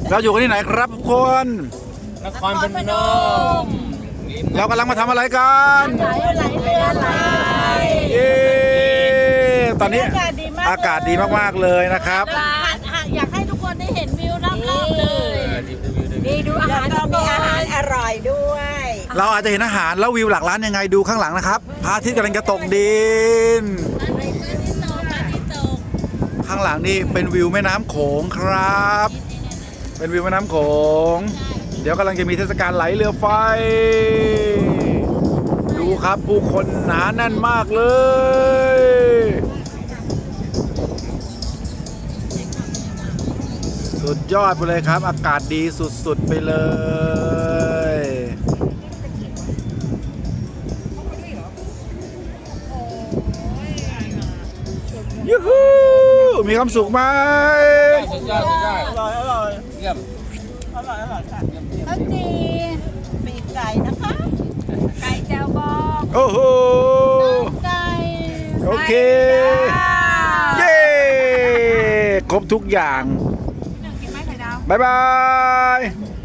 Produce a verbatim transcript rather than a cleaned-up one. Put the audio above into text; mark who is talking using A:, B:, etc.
A: เราอยู่กันที่ไหนครับทุกคน
B: นครพนม
A: เรากำลังมาทำอะไรกัน
C: ไหลไหลเรือไหล
A: เย้ตอนนี้อากาศดีมากๆเลยนะครับ
C: อยากให้ทุกคนได้เห็นวิวรอบๆเลยนี่ดูอาหารก็มีอาหารอร่อยด้วย
A: เราอาจจะเห็นอาหารแล้ววิวหลักล้านยังไงดูข้างหลังนะครับพระอาทิตย์กำลังจะตกดิน ข้างหลังนี่เป็นวิวแม่น้ำโขงครับ เป็นวิวแม่น้ำโขง เดี๋ยวกำลังจะมีเทศกาลไหลเรือไฟ ดูครับผู้คนหนาแน่นมากเลย สุดยอดไปเลยครับ อากาศดีสุดๆไปเลยยูฮูมีความสุขไหม
B: สุดยอดสุดยอด
C: อร่อยอร่อย
B: เยี่ยม
C: อร่อยอร่อยค่ะข้าวจีปีกไก่นะคะ ไก่แจ่วบอง
A: โอ้โห
C: ไก่
A: โอเค เย้ ครบทุกอย่าง
C: กินไหมไข่ดาว
A: บ๊ายบาย